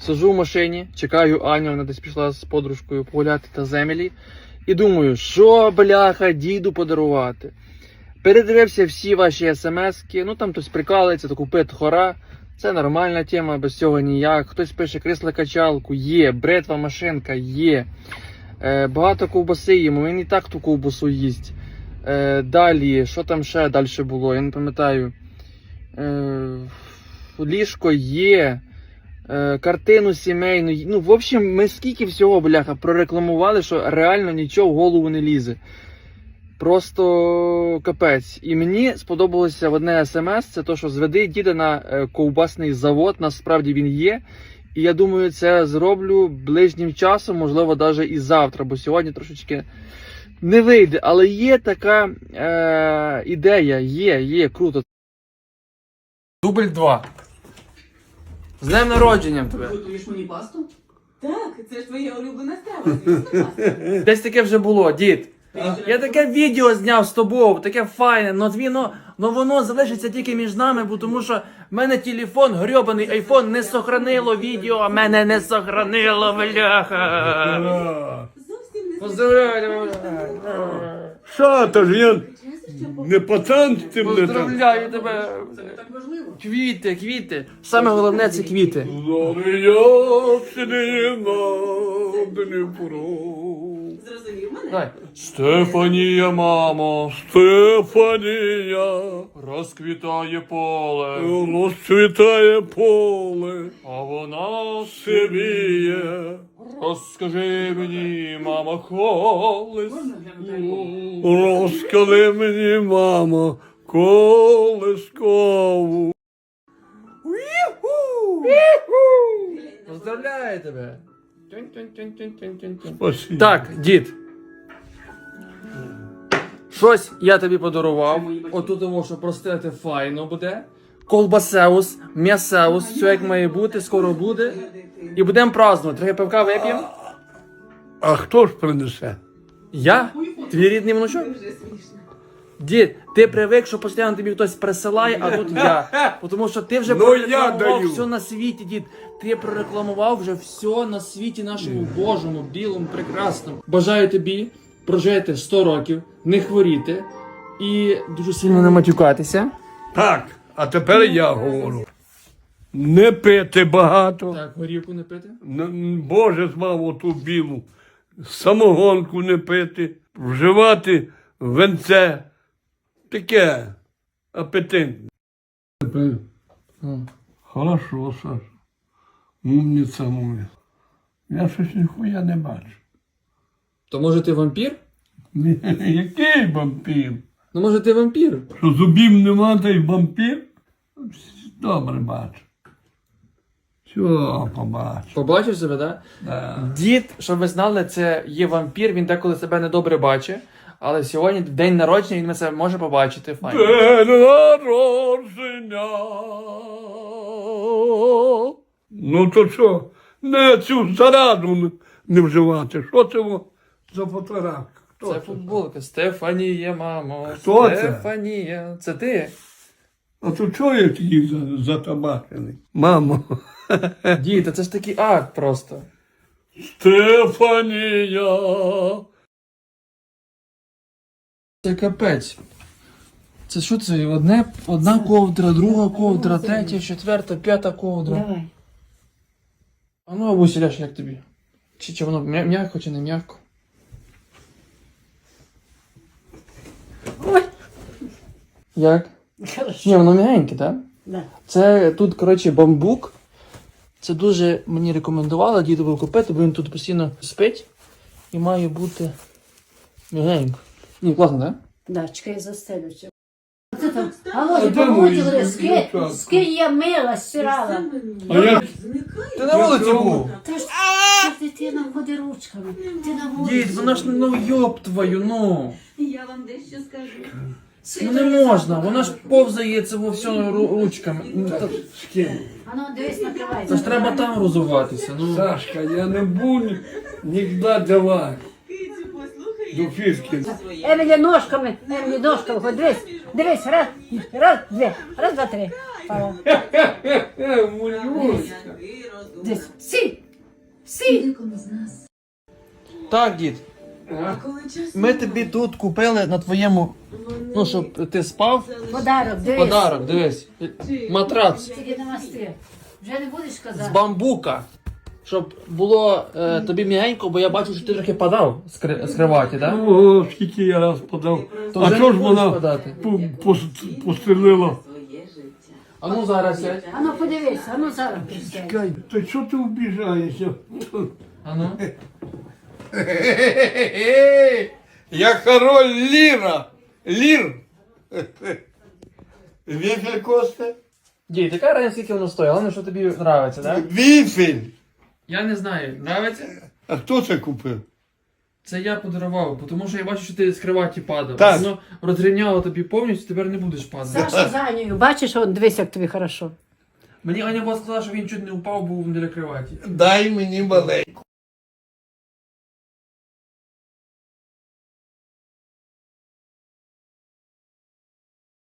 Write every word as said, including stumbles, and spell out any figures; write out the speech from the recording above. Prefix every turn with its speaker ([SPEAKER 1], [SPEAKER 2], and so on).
[SPEAKER 1] Сижу в машині, чекаю Аню, вона десь пішла з подружкою погуляти та землі. І думаю, що, бляха, діду подарувати. Передивився всі ваші смски, ну там хтось прикалується, то купи тхора. Це нормальна тема, без цього ніяк. Хтось пише кресло-качалку, є, бритва машинка, є. Е, багато ковбаси їмо, він і так ту ковбасу їсть. Е, далі, що там ще далі було, я не пам'ятаю. Е, ліжко є. Е, картину сімейну. Ну, в общем, ми скільки всього, бляха, прорекламували, що реально нічого в голову не лізе. Просто капець. І мені сподобалося в одне смс, це то, що зведи діда на ковбасний завод, насправді він є. І я думаю, це зроблю ближнім часом, можливо, навіть і завтра, бо сьогодні трошечки не вийде. Але є така е, ідея, є, є, круто. Дубль два. З днем народження тебе.
[SPEAKER 2] Готуєш мені пасту? Так, це ж твоя улюблена страва, звісно, паста.
[SPEAKER 1] Десь таке вже було, дід. Я таке відео зняв з тобою, таке файне, но, но, но воно залишиться тільки між нами, бо тому що в мене телефон, грьобаний айфон, не сохранило відео, а мене не сохранило, бляха.
[SPEAKER 2] Зовсім не
[SPEAKER 1] Поздравляю,
[SPEAKER 3] Що, то ж я не пацан з цим не так.
[SPEAKER 1] поздравляю тебе.
[SPEAKER 2] Це не так важливо.
[SPEAKER 1] Квіти, квіти. Саме головне це квіти.
[SPEAKER 2] Зрозумів мене?
[SPEAKER 1] Давай.
[SPEAKER 3] Стефанія, мамо, Стефанія,
[SPEAKER 1] Розквітає поле,
[SPEAKER 3] розцвітає поле,
[SPEAKER 1] а вона
[SPEAKER 3] сивіє.
[SPEAKER 1] Розкажи мені, мама, колись.
[SPEAKER 2] Можна глянути?
[SPEAKER 3] Розкажи мені, мамо, колискову.
[SPEAKER 1] Поздравляю тебе.
[SPEAKER 3] Спасибо.
[SPEAKER 1] Так, дід. Щось я тобі подарував. Отут тому, що простити файно буде. Колбасеус, м'ясеус, все як має бути, скоро буде. І будемо празднувати. Трохи пивка вип'ємо.
[SPEAKER 3] А хто ж принесе?
[SPEAKER 1] Я? Твій рідний внучок?
[SPEAKER 2] Вже смішно.
[SPEAKER 1] Дід, ти привик, що постійно тобі хтось присилає, а тут я. Тому що ти вже
[SPEAKER 3] Ну,
[SPEAKER 1] прорекламував
[SPEAKER 3] я даю.
[SPEAKER 1] все на світі, дід. Ти прорекламував вже все на світі нашому Божому, білому, прекрасному. Бажаю тобі прожити сто років, не хворіти і дуже сильно не матюкатися.
[SPEAKER 3] Так, а тепер я говорю. Не пити багато.
[SPEAKER 1] Так, горівку не пити.
[SPEAKER 3] Н- Боже, змав оту білу. Самогонку не пити. Вживати венце. Таке апетитне.
[SPEAKER 1] М.
[SPEAKER 3] Хорошо, Саша. Умниця моя. Я щось ніхуя не бачу.
[SPEAKER 1] То може ти вампір?
[SPEAKER 3] Ні, який вампір?
[SPEAKER 1] Ну може ти вампір?
[SPEAKER 3] Що зубів нема, та й вампір? Добре бачу. Все, побачу.
[SPEAKER 1] Побачив себе, так?
[SPEAKER 3] Да.
[SPEAKER 1] Дід, щоб ви знали, це є вампір, він деколи себе недобре бачить. Але сьогодні день народження, він це може побачити. Файно.
[SPEAKER 3] День народження. Ну то що, не цю зараду не- не вживати. Що це во за фотографія? Хто
[SPEAKER 1] Це футболка. Стефанія, мамо.
[SPEAKER 3] Хто це?
[SPEAKER 1] Стефанія. Це ти?
[SPEAKER 3] А то чого я такий за- затабачений? Мамо.
[SPEAKER 1] Дід, та це ж такий акт просто.
[SPEAKER 3] Стефанія.
[SPEAKER 1] Це капець. Це що це? Одне, одна ковдра, друга ковдра, третя, четверта, п'ята ковдра.
[SPEAKER 2] Давай.
[SPEAKER 1] А ну, Абуся, Ляш, як тобі? Чи, чи воно м'я- м'яко, чи не м'яко?
[SPEAKER 2] Ой.
[SPEAKER 1] Як?
[SPEAKER 2] Хорошо.
[SPEAKER 1] Ні, воно м'ягеньке, так?
[SPEAKER 2] Да.
[SPEAKER 1] Це тут, коротше, бамбук. Це дуже мені рекомендували дідову купити, бо він тут постійно спить. І має бути м'ягенько. Ні, класно, так?
[SPEAKER 4] Да, чекай, застелю цю. Це там,
[SPEAKER 3] А
[SPEAKER 4] Володя,
[SPEAKER 3] де
[SPEAKER 4] помогли,
[SPEAKER 3] мої
[SPEAKER 4] скинь,
[SPEAKER 3] дівчатка?
[SPEAKER 4] скинь я мила, стирала.
[SPEAKER 3] А я
[SPEAKER 1] Ти на вулиці був?
[SPEAKER 4] Та ж та дитина ходи ручками, ти на вулиці.
[SPEAKER 1] Дід, вона ж, ну йоб твою, ну.
[SPEAKER 2] Я вам дещо скажу.
[SPEAKER 1] Ну не можна, вона ж повзає це во все ру- ручками. Ну, та,
[SPEAKER 4] А ну, дивись, накривай.
[SPEAKER 1] це ж треба там розуватися, ну.
[SPEAKER 3] Сашка, я не буду ніколи давати.
[SPEAKER 2] Кицю, послухай,
[SPEAKER 3] До
[SPEAKER 2] як
[SPEAKER 3] фішки.
[SPEAKER 2] ти своє.
[SPEAKER 4] Емілі ножками, Емілі ножками, ходи, дивись, дивись, раз, раз, дві, раз, два, три. Пала.
[SPEAKER 3] Е, Мулюська.
[SPEAKER 2] Ти розумна.
[SPEAKER 4] Десь. Сі! Сі!
[SPEAKER 2] Декому з нас.
[SPEAKER 1] Так, дід,
[SPEAKER 3] А?
[SPEAKER 2] Коли чесно,
[SPEAKER 1] ми тобі тут купили на твоєму, ну, щоб ти спав.
[SPEAKER 4] Подарок, дивись.
[SPEAKER 1] Подарок, дивись. Матрац
[SPEAKER 4] Тільки намасти. Вже не будеш
[SPEAKER 1] з
[SPEAKER 4] казати.
[SPEAKER 1] бамбука. Щоб було е, тобі м'ягенько, бо я бачу, що ти трохи падав з, кри- з криваті, так?
[SPEAKER 3] Ого, скільки я раз подав.
[SPEAKER 1] То
[SPEAKER 3] А
[SPEAKER 1] вже
[SPEAKER 3] чого
[SPEAKER 1] не
[SPEAKER 3] ж
[SPEAKER 1] будеш
[SPEAKER 3] вона
[SPEAKER 1] подати?
[SPEAKER 3] по- пос- пострілила?
[SPEAKER 2] своє життя.
[SPEAKER 1] А ну зараз сядь.
[SPEAKER 4] А ну подивись, а ну зараз присядь.
[SPEAKER 3] Чекай, то що ти вбіжаєшся?
[SPEAKER 1] А ну.
[SPEAKER 3] Я король Ліра. Лір. Віфель Косте?
[SPEAKER 1] Дій, така разниця, скільки воно стоїть, головне, що тобі подобається, так?
[SPEAKER 3] Віфель.
[SPEAKER 1] Я не знаю, подобається?
[SPEAKER 3] А хто це купив?
[SPEAKER 1] Це я подарував, бо тому що я бачу, що ти з криваті падав.
[SPEAKER 3] Так.
[SPEAKER 1] Воно розрівняло тобі повністю, тепер не будеш падати.
[SPEAKER 4] Саша за Анею, бачиш, он, дивись, як тобі хорошо.
[SPEAKER 1] Мені Аня була сказала, що він чуть не впав, був біля криваті.
[SPEAKER 3] Дай мені маленьку.